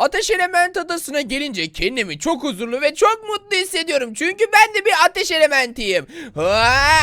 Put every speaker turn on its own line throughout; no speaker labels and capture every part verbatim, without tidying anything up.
Ateş Element Adası'na gelince kendimi çok huzurlu ve çok mutlu hissediyorum. Çünkü ben de bir ateş elementiyim. Ha,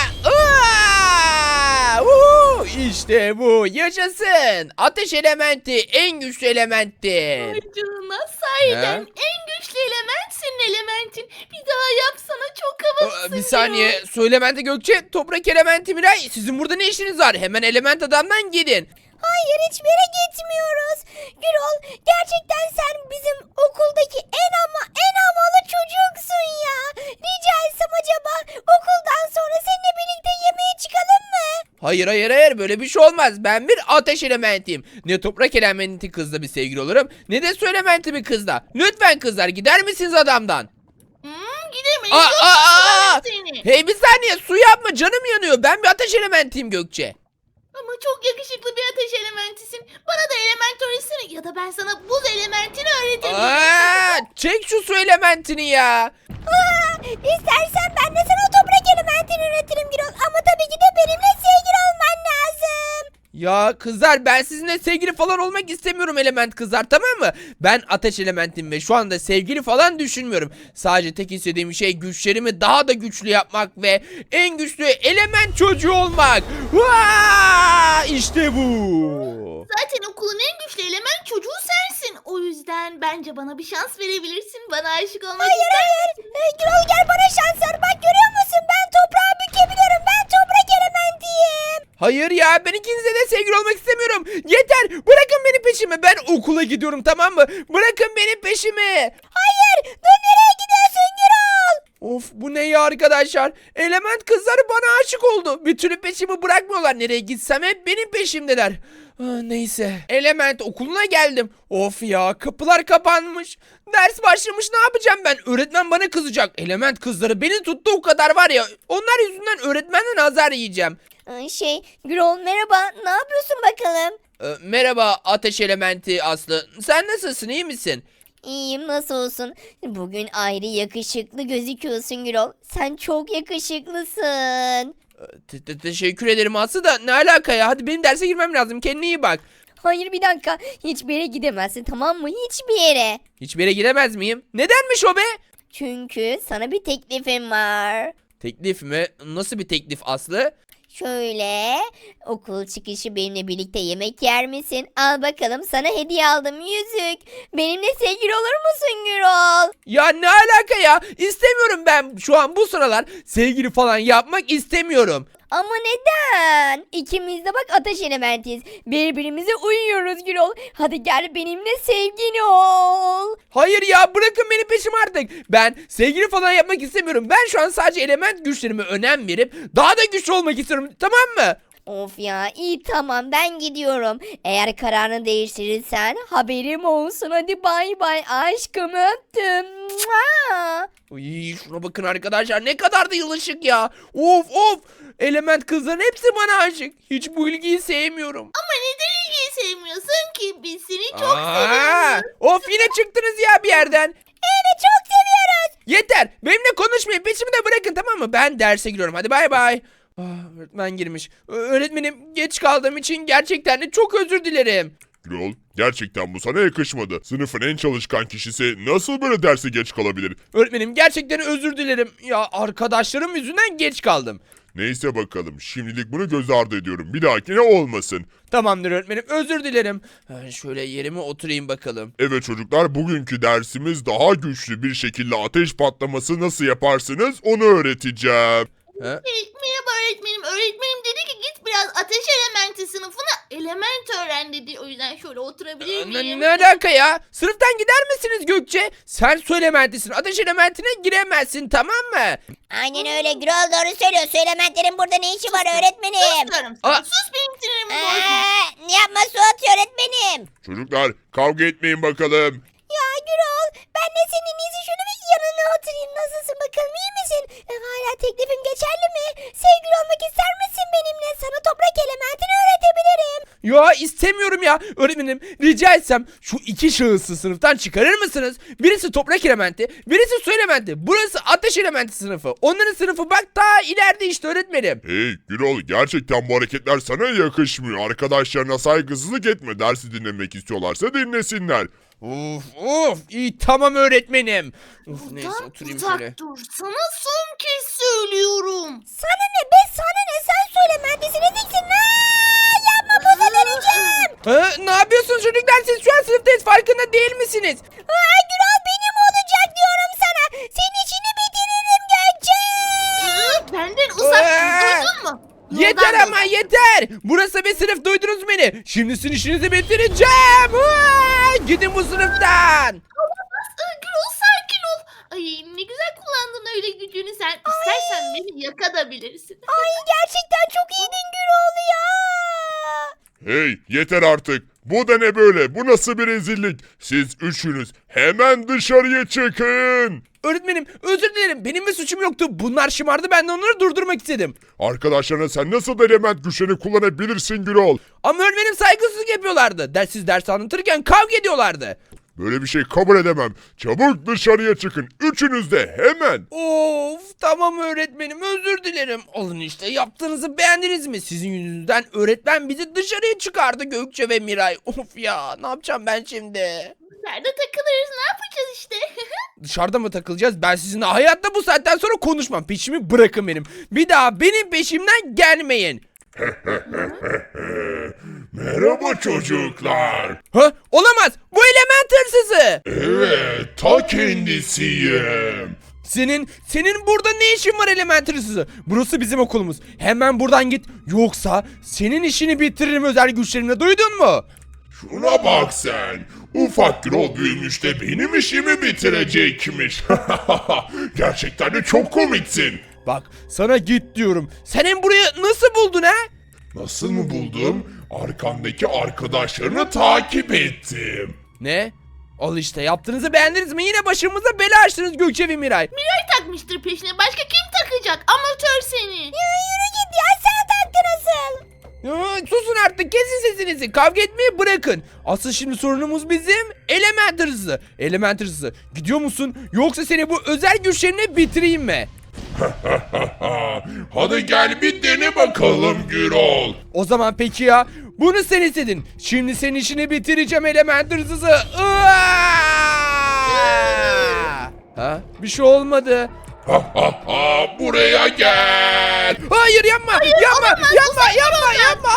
aa, uhu, işte bu yaşasın. Ateş elementi en güçlü elementtir.
Ay canına sahiden
Ha?
en güçlü element senin elementin. Bir daha yapsana çok havalısın.
Aa, bir saniye. Su elementi Gökçe, toprak elementi Miray. Sizin burada ne işiniz var? Hemen element adamdan gidin.
Hayır, hiçbir yere gitmiyoruz. Gürol, gerçekten sen bizim okuldaki en ama en havalı çocuksun ya. Rica etsem acaba okuldan sonra seninle birlikte yemeğe çıkalım mı?
Hayır hayır hayır, böyle bir şey olmaz. Ben bir ateş elementiyim. Ne toprak elementi kızla bir sevgili olurum, ne de su elementi bir kızla. Lütfen kızlar, gider misiniz adamdan?
Hmm, gidemeyiz.
Aa,
Yok,
aa, aa!
seni.
Hey bir saniye, su yapma, canım yanıyor. Ben bir ateş elementiyim Gökçe.
Ama çok yakışıklı bir ateş elementisin. Bana da element öğretsene. Ya da ben sana buz elementini öğretebilirim.
Aa, çek şu su elementini ya.
Aa, istersen ben de sana toprak elementini üretirim Gürol. Ama tabii ki de benimle sevgili olman lazım.
Ya kızlar, ben sizinle sevgili falan olmak istemiyorum element kızlar, tamam mı? Ben ateş elementim ve şu anda sevgili falan düşünmüyorum. Sadece tek istediğim şey güçlerimi daha da güçlü yapmak ve en güçlü element çocuğu olmak. Vaa! İşte bu.
Zaten okulun en güçlü element çocuğu sensin. O yüzden bence bana bir şans verebilirsin. Bana aşık olmak
Hayır
ister
hayır.
misin?
Ee, Gürol gel bana şans ver. Bak görüyor musun? Ben toprağı bükebiliyorum. Ben toprak elementiyim.
Hayır ya, ben ikinizle de sevgili olmak istemiyorum. Yeter, bırakın beni peşime. Ben okula gidiyorum, tamam mı? Bırakın beni peşime.
Hayır. Dur, nereye gidiyorsun Gürol?
Of, bu ne ya arkadaşlar? Element kızları bana aşık oldu. Bir türlü peşimi bırakmıyorlar. Nereye gitsem hep benim peşimdeler. Ah, neyse. Element okuluna geldim. Of ya, kapılar kapanmış. Ders başlamış, ne yapacağım ben? Öğretmen bana kızacak. Element kızları beni tuttu o kadar var ya. Onlar yüzünden öğretmenden azar yiyeceğim.
Ee, Şey Gürol merhaba. Ne yapıyorsun bakalım?
Ee, merhaba ateş elementi Aslı. Sen nasılsın, iyi misin?
İyiyim, nasıl olsun? Bugün ayrı yakışıklı gözüküyorsun Gürol. Sen çok yakışıklısın.
Te- te- Teşekkür ederim Aslı da ne alaka ya? Hadi benim derse girmem lazım. Kendine iyi bak.
Hayır, bir dakika. Hiçbir yere gidemezsin, tamam mı? Hiçbir yere.
Hiçbir yere gidemez miyim? Nedenmiş o be?
Çünkü sana bir teklifim var.
Teklif mi? Nasıl bir teklif Aslı?
Şöyle, okul çıkışı benimle birlikte yemek yer misin? Al bakalım, sana hediye aldım, yüzük. Benimle sevgili olur musun Gürol?
Ya ne alaka ya? İstemiyorum ben şu an bu sıralar sevgili falan yapmak istemiyorum.
Ama neden? İkimiz de bak ateş elementiyiz. Birbirimize uyuyoruz Gürol. Hadi gel benimle sevgili ol.
Hayır ya, bırakın beni peşim artık. Ben sevgili falan yapmak istemiyorum. Ben şu an sadece element güçlerime önem verip daha da güçlü olmak istiyorum, tamam mı?
Of ya, iyi tamam, ben gidiyorum. Eğer kararını değiştirirsen haberim olsun. Hadi bay bay aşkım, öptüm. Mua!
Uy, şuna bakın arkadaşlar, ne kadar da yılışık ya. Of of. Element kızların hepsi bana aşık. Hiç bu ilgiyi sevmiyorum.
Ama neden ilgiyi sevmiyorsun ki? Biz seni çok
Aa,
seviyoruz.
of, yine çıktınız ya bir yerden.
Evet, çok seviyoruz.
Yeter. Benimle konuşmayın. Peşimi de bırakın, tamam mı? Ben derse giriyorum. Hadi bay bay. Ah, öğretmen girmiş. Ö- Öğretmenim, geç kaldığım için gerçekten de çok özür dilerim.
Gürol, gerçekten bu sana yakışmadı. Sınıfın en çalışkan kişisi nasıl böyle derse geç kalabilir?
Öğretmenim, gerçekten özür dilerim. Ya arkadaşlarım yüzünden geç kaldım.
Neyse bakalım, şimdilik bunu göz ardı ediyorum. Bir dahakine olmasın.
Tamamdır öğretmenim, özür dilerim. Ha, şöyle yerime oturayım bakalım.
Evet çocuklar, bugünkü dersimiz daha güçlü bir şekilde ateş patlaması nasıl yaparsınız onu öğreteceğim.
Ha?
Hey, merhaba öğretmenim. Öğretmenim dedi ki git biraz ateş elementi sınıfına element öğren dedi. O yüzden şöyle oturabilir
Ne,
miyim?
ne alaka ya? Sınıftan gider misiniz Gökçe? Sen su elementisin. Ateş elementine giremezsin, tamam mı?
Aynen öyle Gürol, doğru söylüyor. Su elementlerin burada ne işi var öğretmenim?
Sus diyorum
Aa.
sana. Sus benim sinirimi bozma.
Ee, yapma, su atıyor öğretmenim.
Çocuklar, kavga etmeyin bakalım.
Ya Gürol, ben de senin iyisi şunu bir yanına oturayım. Nasılsın bakalım, iyi misin? E, hala teklifim geçerli mi? Sevgili olmak ister misin benimle? Sana toprak elementini öğretebilirim.
Ya istemiyorum ya. Öğretmenim, rica etsem şu iki şahısı sınıftan çıkarır mısınız? Birisi toprak elementi, birisi su elementi. Burası ateş elementi sınıfı. Onların sınıfı bak daha ileride işte öğretmenim.
Hey Gürol, gerçekten bu hareketler sana yakışmıyor. Arkadaşlarına saygısızlık etme. Dersi dinlemek istiyorlarsa dinlesinler.
Of of iyi tamam öğretmenim. Of neyse
Buradan
oturayım
uzak
şöyle.
dur. Sana son kez söylüyorum.
Sana ne be sana ne sen söyle mühendisi ne diyeceksin? Aa, yapma buza döneceğim.
Ha, ne yapıyorsunuz çocuklar siz şu an sınıftayız farkında değil misiniz?
Aa, Gürol benim olacak diyorum sana. Senin işini bitiririm Gökçe.
Iı, Benden uzak dur.
Ee,
Duydun mu?
Yeter
Yoldan
ama yeter. Burası bir sınıf duydunuz beni. Şimdi sizin işinizi bitireceğim. Aa, gidin bu sınıftan.
Olamaz. Iı, Gürol sakin ol. Ay ne güzel kullandın öyle gücünü sen. İstersen beni yakabilirsin.
Ay gerçekten çok iyiydin Gürol ya.
Hey, yeter artık. Bu da ne böyle? Bu nasıl bir rezillik? Siz üçünüz hemen dışarıya çıkın.
Öğretmenim özür dilerim benim bir suçum yoktu. Bunlar şımardı ben de onları durdurmak istedim.
Arkadaşlarına sen nasıl element güçlerini kullanabilirsin Gürol?
Ama öğretmenim saygısızlık yapıyorlardı. Dersiz ders anlatırken kavga ediyorlardı.
Böyle bir şey kabul edemem. Çabuk dışarıya çıkın. Üçünüz de hemen.
Of tamam öğretmenim özür dilerim. Alın işte yaptığınızı beğendiniz mi? Sizin yüzünüzden öğretmen bizi dışarıya çıkardı Gökçe ve Miray. Of ya ne yapacağım ben şimdi?
Dışarıda takılırız ne yapacağız işte.
Dışarıda mı takılacağız? Ben sizinle hayatta bu saatten sonra konuşmam. Peşimi bırakın benim. Bir daha benim peşimden gelmeyin.
Merhaba çocuklar.
Ha? Olamaz. Bu element hırsızı.
Evet, ta kendisiyim.
Senin, senin burada ne işin var element hırsızı? Burası bizim okulumuz. Hemen buradan git. Yoksa senin işini bitiririm özel güçlerimle. Duydun mu?
Şuna bak sen. Ufak Gürol büyümüş de benim işimi bitirecekmiş. Gerçekten de çok komiksin.
Bak sana git diyorum. Sen hem burayı nasıl buldun ha?
Nasıl mı buldum? Arkamdaki arkadaşlarını takip ettim.
Ne? Al işte yaptığınızı beğendiniz mi? Yine başımıza bela açtınız Gökçe ve Miray.
Miray takmıştır peşine. Başka kim takacak? Amatör seni.
Yürü git ya sen taktın asıl.
Ya, susun artık kesin sesinizi. Kavga etmeyi bırakın. Asıl şimdi sorunumuz bizim element hırsızı. Element hırsızı. Gidiyor musun? Yoksa seni bu özel güçlerine bitireyim mi?
Hadi gel bir dene bakalım Gürol.
O zaman peki ya. Bunu sen istedin. Şimdi senin işini bitireceğim element hırsızı. Iıaa! Ha? Bir şey olmadı.
Buraya gel.
Hayır yapma. yapma. yapma. Yapma. Yapma.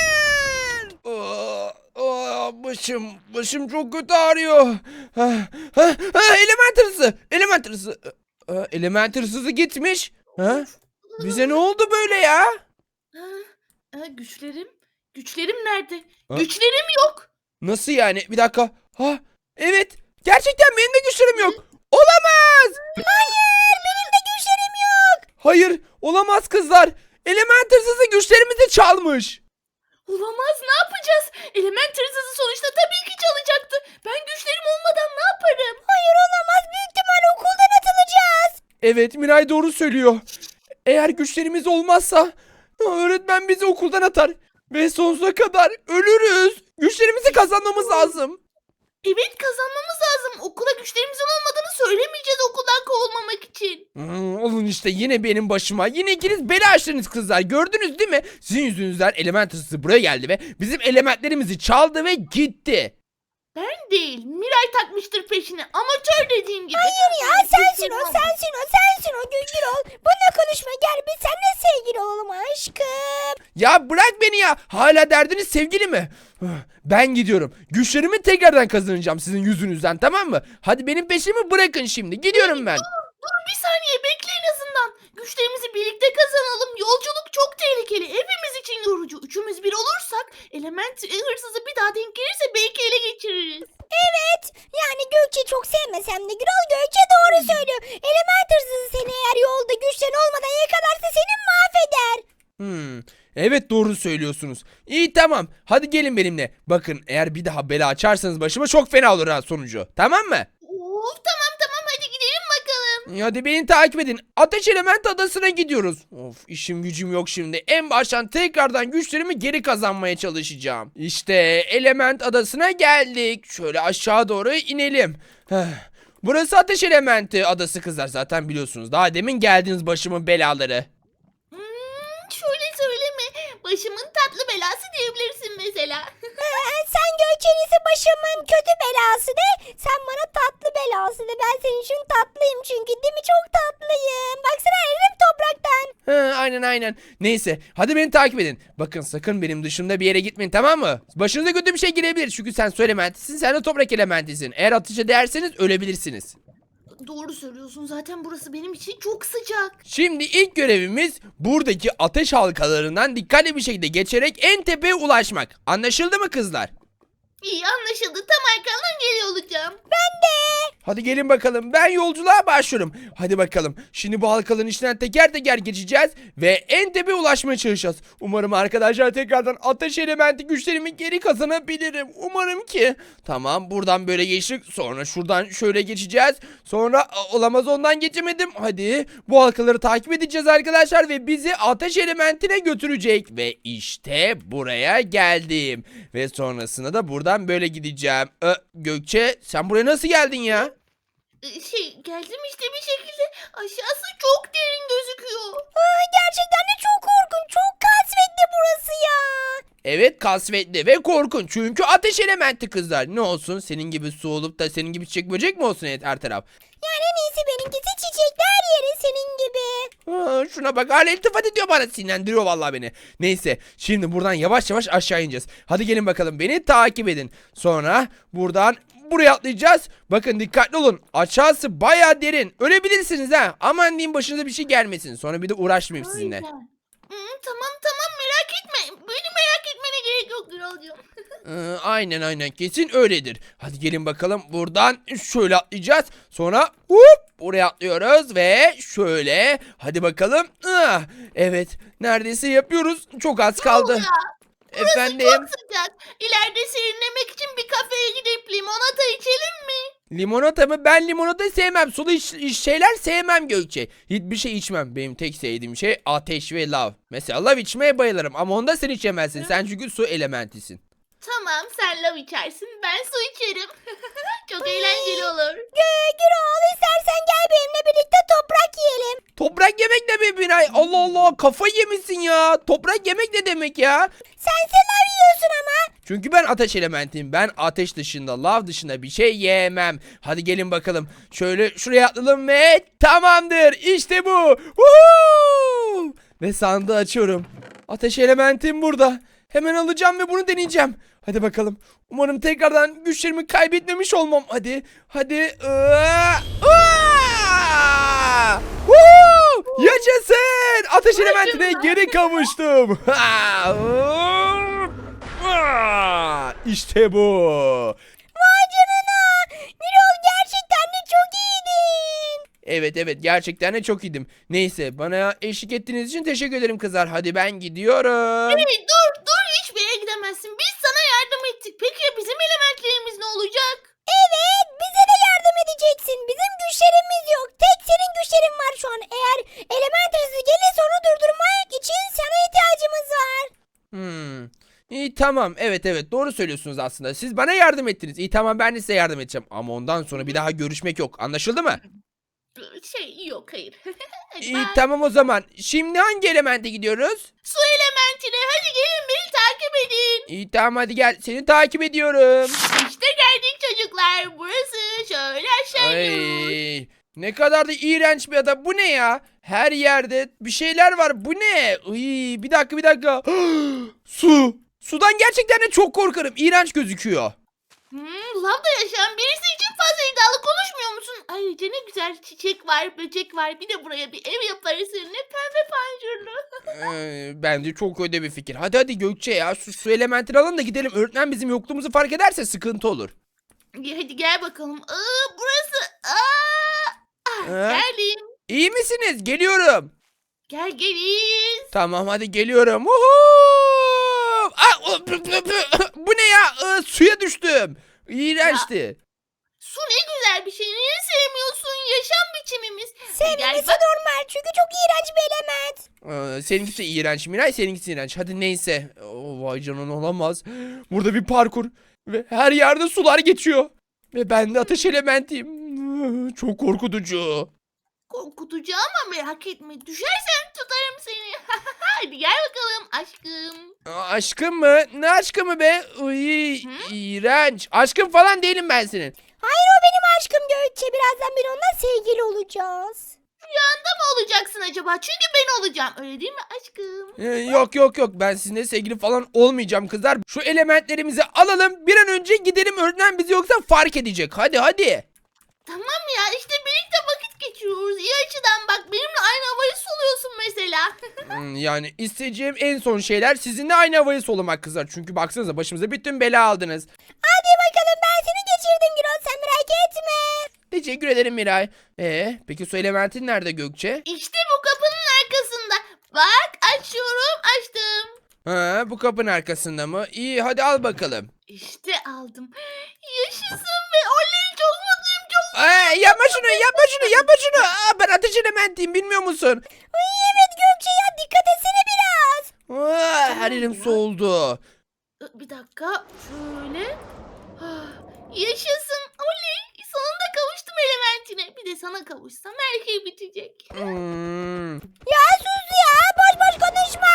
Hayır. Aa, aa, başım. Başım çok kötü ağrıyor. Ha, ha, ha, element hırsızı. Element hırsızı. Aa, element hırsızı gitmiş. Ha? Bize ne oldu böyle ya?
Ha, ha, güçlerim? Güçlerim nerede?
Ha?
Güçlerim yok.
Nasıl yani? Bir dakika. Ha, evet. Gerçekten benim de güçlerim yok. Olamaz.
Hayır benim de güçlerim yok.
Hayır, olamaz kızlar. Element hırsızı güçlerimizi çalmış.
Olamaz ne yapacağız? Element hırsızı sonuçta tabii ki çalacaktı. Ben güçlerim olmadan ne yaparım?
Hayır olamaz büyük ihtimal okuldan atılacağız.
Evet, Miray doğru söylüyor. Eğer güçlerimiz olmazsa öğretmen bizi okuldan atar ve sonsuza kadar ölürüz. Güçlerimizi kazanmamız lazım.
Evet kazanmamız lazım. Okula güçlerimizin olmadığını söylemeyeceğiz okuldan kovulmamak için.
Hmm, olun işte yine benim başıma. Yine ikiniz bela açtınız kızlar. Gördünüz değil mi? Sizin yüzünüzden element hırsızı buraya geldi ve bizim elementlerimizi çaldı ve gitti.
Ben değil. Miray takmıştır peşine. Amatör dediğim gibi.
Hayır ya sensin o sensin o sensin o Gürol. Bununla konuşma gel biz seninle sevgili olalım aşkım.
Ya bırak beni ya. Hala derdiniz sevgili mi? Ben gidiyorum. Güçlerimi tekrardan kazanacağım sizin yüzünüzden tamam mı? Hadi benim peşimi bırakın şimdi. Gidiyorum ben.
Dur bir saniye bekle en azından. Güçlerimizi birlikte kazanalım. Yolculuk çok tehlikeli. Hepimiz için yorucu. Üçümüz bir olursak element hırsızı bir daha denk gelirse belki ele geçiririz.
Evet yani Gökçe çok sevmesem de Gürol Gökçe doğru söylüyor. Element hırsızı seni eğer yolda güçlerin olmadan yakalarsa seni mahveder.
Hmm, evet doğru söylüyorsunuz. İyi tamam. Hadi gelin benimle. Bakın eğer bir daha bela açarsanız başıma çok fena olur ha sonucu. Tamam mı?
Of tamam tamam hadi gidelim bakalım.
Hadi beni takip edin. Ateş Element Adası'na gidiyoruz. Of işim gücüm yok şimdi. En baştan tekrardan güçlerimi geri kazanmaya çalışacağım. İşte Element Adası'na geldik. Şöyle aşağı doğru inelim. Heh. Burası Ateş Elementi Adası kızlar zaten biliyorsunuz. Daha demin geldiniz başımın belaları.
Hmm, şöyle söyleme. Başımın tatlı tatlı belası diyebilirsin mesela.
Ee, sen Gökçen'isi başımın kötü belası de. Sen bana tatlı belası de. Ben senin için tatlıyım çünkü, değil mi? Çok tatlıyım. Baksana eridim topraktan.
Ha, aynen aynen. Neyse hadi beni takip edin. Bakın sakın benim dışımda bir yere gitmeyin, tamam mı? Başınıza kötü bir şey gelebilir. Çünkü sen su elementisin, sen de toprak elementisin. Eğer ateş ederseniz ölebilirsiniz.
Doğru söylüyorsun, zaten burası benim için çok sıcak.
Şimdi ilk görevimiz buradaki ateş halkalarından dikkatli bir şekilde geçerek en tepeye ulaşmak. Anlaşıldı mı kızlar?
İyi, anlaşıldı, tam arkandan geliyor olacağım.
Hadi gelin bakalım, ben yolculuğa başlıyorum. Hadi bakalım, şimdi bu halkaların içinden teker teker geçeceğiz ve en tepeye ulaşmaya çalışacağız. Umarım arkadaşlar tekrardan ateş elementi güçlerimi geri kazanabilirim. Umarım ki. Tamam, buradan böyle geçtik, sonra şuradan şöyle geçeceğiz. Sonra a, olamaz, ondan geçemedim. Hadi bu halkaları takip edeceğiz arkadaşlar ve bizi ateş elementine götürecek. Ve işte buraya geldim. Ve sonrasında da buradan böyle gideceğim. Ö, Gökçe, sen buraya nasıl geldin ya?
Ee, Şey, geldim işte bir şekilde. Aşağısı çok derin gözüküyor.
Aa, gerçekten de çok korkunç. Çok kasvetli burası ya.
Evet, kasvetli ve korkunç çünkü ateş elementi kızlar. Ne olsun, senin gibi su olup da senin gibi çiçek böcek mi olsun her taraf?
Yani en iyisi benimkisi çiçekler yeri senin gibi.
Aa, şuna bak, hala iltifat ediyor bana, sinirlendiriyor vallahi beni. Neyse, şimdi buradan yavaş yavaş aşağı ineceğiz. Hadi gelin bakalım, beni takip edin. Sonra buradan buraya atlayacağız. Bakın dikkatli olun, aşağısı baya derin, ölebilirsiniz ha. Aman diyeyim, başınıza bir şey gelmesin, sonra bir de uğraşmayayım sizinle.
Aynen. Hmm, tamam tamam, merak etme. Beni merak etmene gerek yok Gürolcuğum.
Ee, aynen aynen, kesin öyledir. Hadi gelin bakalım, buradan şöyle atlayacağız. Sonra hop buraya atlıyoruz ve şöyle. Hadi bakalım. Ah, evet, neredeyse yapıyoruz. Çok az kaldı.
Ya, burası
Efendim,
çok sıcak. İleride serinlemek için bir kafeye gidip limonata içelim mi?
limonata mı? Ben limonata sevmem. Sulu iç- iç şeyler sevmem Gökçe. Hiçbir şey içmem. Benim tek sevdiğim şey ateş ve lav. Mesela lav içmeye bayılırım ama onda sen içemezsin. Sen çünkü su elementisin.
Tamam, sen lav içersin, ben su içerim. Çok eğlenceli olur.
Gü Gürol, istersen gel benimle birlikte toprak yiyelim.
Toprak yemek ne be Miray? Allah Allah, kafayı yemişsin ya. Toprak yemek ne demek ya?
Sen lav yiyorsun ama.
Çünkü ben ateş elementiyim. Ben ateş dışında, lav dışında bir şey yemem. Hadi gelin bakalım. Şöyle şuraya atlayalım ve tamamdır. İşte bu. Woohoo! Ve sandığı açıyorum. Ateş elementim burada. Hemen alacağım ve bunu deneyeceğim. Hadi bakalım. Umarım tekrardan güçlerimi kaybetmemiş olmam. Hadi. Hadi. Aa! Aa! Woo! Yaşasın. Ateş elementine geri kavuştum. Ha! Aa! İşte bu.
Vay canına. Gürol, gerçekten de çok iyiydin.
Evet evet, gerçekten de çok iyiydim. Neyse, bana eşlik ettiğiniz için teşekkür ederim kızlar. Hadi ben gidiyorum.
Hey, dur dur, hiçbir yere gidemezsin. Biz sana yardım ettik. Peki ya bizim elementlerimiz ne olacak?
Evet, bize de yardım edeceksin. Bizim güçlerimiz yok. Tek senin güçlerin var şu an. Eğer element hızı gelirse onu durdurmak için sana ihtiyacımız var.
Hmm. İyi tamam, evet evet, doğru söylüyorsunuz aslında. Siz bana yardım ettiniz. İyi tamam, ben de size yardım edeceğim. Ama ondan sonra bir daha görüşmek yok. Anlaşıldı mı?
Şey, yok, hayır. Hadi
İyi
bye.
tamam o zaman. Şimdi hangi elemente gidiyoruz?
Su elementine hadi gelin, beni takip edin.
İyi tamam, hadi gel. Seni takip ediyorum.
İşte geldik çocuklar. Burası, şöyle aşağı iniyoruz.
Ay, ne kadar da iğrenç bir ada. Bu ne ya? Her yerde bir şeyler var. Bu ne? Ay, bir dakika bir dakika. Su. Sudan gerçekten de çok korkarım. İğrenç gözüküyor.
Hmm, lavda yaşayan birisi için fazla iddialı konuşmuyor musun? Ayrıca ne güzel çiçek var, böcek var. Bir de buraya bir ev yaparız seninle, pembe pancurlu.
Ee, bence çok öde bir fikir. Hadi hadi Gökçe ya, şu su elementini alalım da gidelim. Öğretmen bizim yokluğumuzu fark ederse sıkıntı olur.
Hadi gel bakalım. Aa, burası. Aa, ah,
Ha?
geldim.
İyi misiniz? Geliyorum.
Gel geliz.
Tamam hadi geliyorum. Woohoo! Aa, o- bu ne ya? Ee, suya düştüm. İğrençti.
Su ne güzel bir şey. Niye sevmiyorsun? Yaşam biçimimiz.
Sevmemesi
Gel bak.
normal çünkü çok iğrenç bir element.
Ee, seninkisi iğrenç Miray, seninkisi iğrenç. Hadi neyse. Oh, vay canına, olamaz. Burada bir parkur. Ve her yerde sular geçiyor. Ve ben de ateş elementiyim. Çok korkutucu.
Korkutacağım ama merak etme. Düşersen tutarım seni. Hadi gel bakalım aşkım.
Aa, aşkım mı? Ne aşkı mı be? Uy, iğrenç. Aşkım falan değilim ben senin.
Hayır o benim aşkım Gökçe. Birazdan bir onunla sevgili olacağız.
Rüyanda mı olacaksın acaba? Çünkü ben olacağım. Öyle değil mi aşkım?
Ee, yok yok yok, ben sizinle sevgili falan olmayacağım kızlar. Şu elementlerimizi alalım, bir an önce gidelim, öğretmen bizi yoksa fark edecek. Hadi hadi.
Tamam ya işte birlikte vakit geçiriyoruz. İyi açıdan bak benimle aynı havayı soluyorsun mesela.
Hmm, yani isteyeceğim en son şeyler sizinle aynı havayı solumak kızlar. Çünkü baksanıza başımıza bütün bela aldınız.
Hadi bakalım ben seni geçirdim Gürol. Sen merak etme.
Teşekkür ederim Miray. Ee, peki su elementin nerede Gökçe?
İşte bu kapının arkasında. Bak açıyorum açtım.
Ha, bu kapının arkasında mı? İyi, hadi al bakalım.
İşte aldım. Yaşasın ve oley çok mutluyum çok.
Aa, yapma şunu, yapma şunu, yapma şunu. Aa, ben ateş elementiyim, bilmiyor musun?
Ay evet Gökçe ya dikkat etsene biraz.
Aa, her yerim soğudu.
Bir dakika şöyle. Ah, yaşasın oley. Sonunda kavuştum elementine. Bir de sana kavuşsam her şey bitecek.
Hmm.
Ya sus ya boş boş konuşma.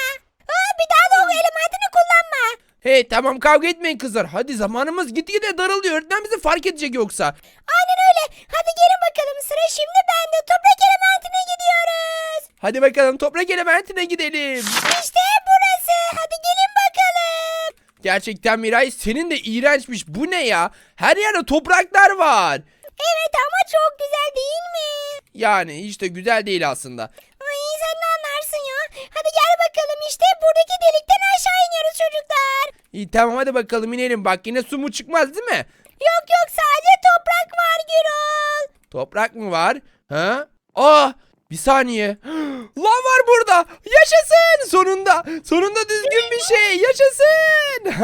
Ha, bir daha da o elementini kullanma.
Hey, tamam, kavga etmeyin kızlar. Hadi, zamanımız gitgide daralıyor. Öğretmen bizi fark edecek yoksa.
Aynen öyle. Hadi gelin bakalım sıra şimdi bende. Toprak elementine gidiyoruz.
Hadi bakalım, toprak elementine gidelim.
İşte burası. Hadi gelin bakalım.
Gerçekten Miray, senin de iğrençmiş. Bu ne ya? Her yerde topraklar var.
Evet ama çok güzel değil mi?
Yani hiç de güzel değil aslında.
Ay sen ne anlarsın ya? Hadi gel bakalım işte buradaki delikten aşağı iniyoruz çocuklar.
İyi, tamam, hadi bakalım inelim. Bak, yine su mu çıkmaz değil mi?
Yok yok sadece toprak var Gürol.
Toprak mı var? Ha? Aa, bir saniye. Lav var burada. Yaşasın. Sonunda. Sonunda düzgün bir şey. Yaşasın.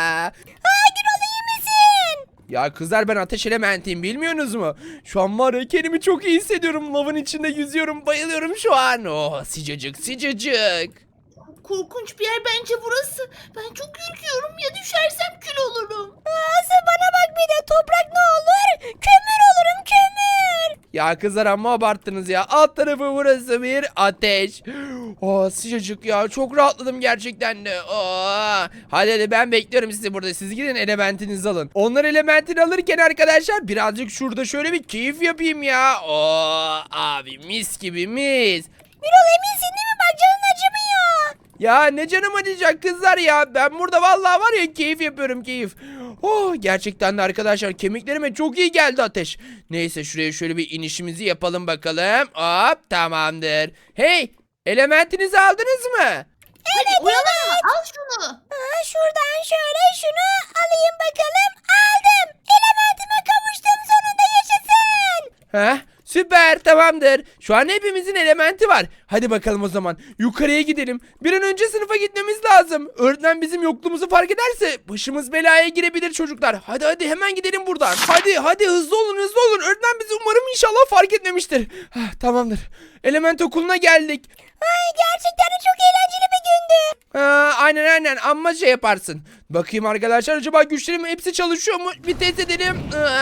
Aa Gürol iyi misin?
Ya kızlar, ben ateş elementiyim, bilmiyorsunuz mu? Şu an var ya, kendimi çok iyi hissediyorum. Lavın içinde yüzüyorum. Bayılıyorum şu an. Oh, sıcacık sıcacık.
Korkunç bir yer bence burası. Ben çok ürküyorum. Ya düşersem kül olurum.
Asıl bana bak bir de toprak ne olur? Kömür olurum kömür.
Ya kızlar, amma abarttınız ya. Alt tarafı burası bir ateş. Oh, sıcacık ya. Çok rahatladım gerçekten de. Oh. Hadi hadi, ben bekliyorum sizi burada. Siz gidin elementinizi alın. Onlar elementini alırken arkadaşlar birazcık şurada şöyle bir keyif yapayım ya. Oh, abi mis gibi mis.
Gürol eminsin değil mi? Bak canın acımıyor.
Ya ne canım acıyacak kızlar ya. Ben burada vallahi var ya, keyif yapıyorum, keyif. Oh, gerçekten de arkadaşlar kemiklerime çok iyi geldi ateş. Neyse, şuraya şöyle bir inişimizi yapalım bakalım. Hop, tamamdır. Hey, elementinizi aldınız mı?
Hadi oyalanma al şunu.
Aa, şuradan şöyle şunu alayım bakalım. Aldım. Elementime kavuştum sonunda yaşasın.
Heh, süper, tamamdır. Şu an hepimizin elementi var. Hadi bakalım o zaman. Yukarıya gidelim. Bir an önce sınıfa gitmemiz lazım. Öğretmen bizim yokluğumuzu fark ederse başımız belaya girebilir çocuklar. Hadi hadi, hemen gidelim buradan. Hadi hadi, hızlı olun hızlı olun. Öğretmen bizi umarım inşallah fark etmemiştir. Hah, tamamdır. Element okuluna geldik.
Ay gerçekten de çok eğlenceli bir gündü.
Ha, aynen aynen, amma şey yaparsın. Bakayım arkadaşlar, acaba güçlerim hepsi çalışıyor mu? Bir test edelim.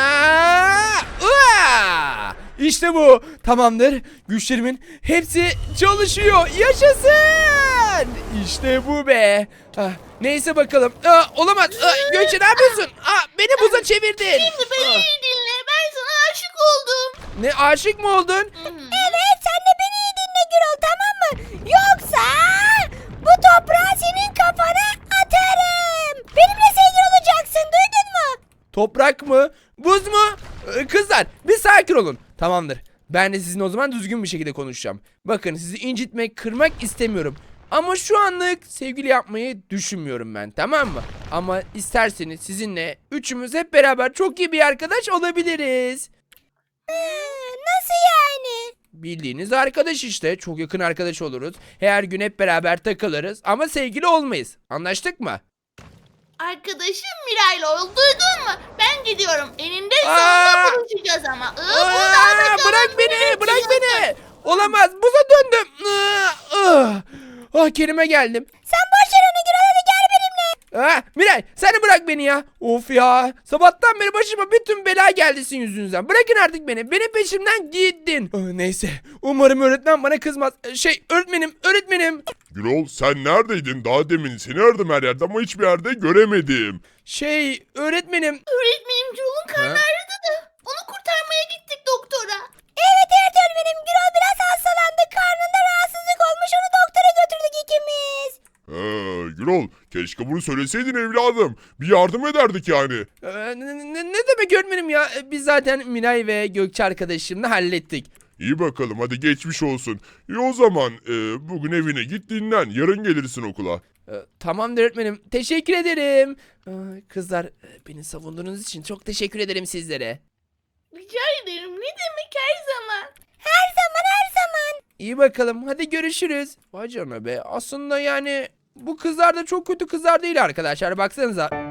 Aa, aa! İşte bu. Tamamdır. Güçlerimin hepsi çalışıyor. Yaşasın. İşte bu be. Ah, neyse bakalım. Aa, olamaz. Aa, Gökçe, ne yapıyorsun? Aa, beni buza çevirdin.
Şimdi beni
Ah,
iyi dinle. Ben sana aşık oldum.
ne, aşık mı oldun?
Evet sen de beni iyi dinle Gürol tamam mı? Yoksa bu toprağı senin kafana atarım. Benimle sevgili olacaksın duydun mu?
Toprak mı? Buz mu? Ee, Kızlar, bir sakin olun. Tamamdır. Ben de sizinle o zaman düzgün bir şekilde konuşacağım. Bakın, sizi incitmek, kırmak istemiyorum. Ama şu anlık sevgili yapmayı düşünmüyorum ben, tamam mı? Ama isterseniz sizinle üçümüz hep beraber çok iyi bir arkadaş olabiliriz.
Ee, nasıl yani?
Bildiğiniz arkadaş işte. Çok yakın arkadaş oluruz. Her gün hep beraber takılırız ama sevgili olmayız. Anlaştık mı?
Arkadaşım Miray'la ol. Duydun mu? Ben gidiyorum. Eninde
Aa!
sonunda buluşacağız ama. Iı,
Aa,
buradan bakalım.
bırak beni,
Nereye
bırak
gidiyorsun?
beni. Olamaz, buza döndüm. Ah, ah, Kerime geldim.
Sen boş ver onu Gürol hadi gel benimle.
Ha, Miray sen de bırak beni ya. Of ya. Sabahtan beri başıma bütün bela geldi sizin yüzünüzden. Bırakın artık beni. Benim peşimden gittin. Ah, neyse. Umarım öğretmen bana kızmaz. Şey öğretmenim öğretmenim.
Gürol sen neredeydin? Daha demin seni aradım her yerde ama hiçbir yerde göremedim.
Şey öğretmenim.
Öğretmenim Gürol'un karnı
Ha?
ağrıdı da onu kurtarmaya gittik doktora.
Evet evet öğretmenim. Gürol biraz hastalandı. Karnında rahatsızlık olmuş. Onu doktora götürdük ikimiz.
He, Gürol keşke bunu söyleseydin evladım. Bir yardım ederdik yani.
Ee, ne, ne- ne demek öğretmenim ya? Ee, Biz zaten Miray ve Gökçe arkadaşımla hallettik.
İyi bakalım hadi geçmiş olsun. İyi o zaman e, bugün evine git dinlen. Yarın gelirsin okula.
Ee, Tamamdır öğretmenim. Teşekkür ederim. Ee, Kızlar e, beni savunduğunuz için çok teşekkür ederim sizlere.
Rica ederim ne demek her zaman.
Her zaman her zaman.
İyi bakalım. Hadi görüşürüz. Vay canına be. Aslında yani bu kızlar da çok kötü kızlar değil arkadaşlar. Baksanıza.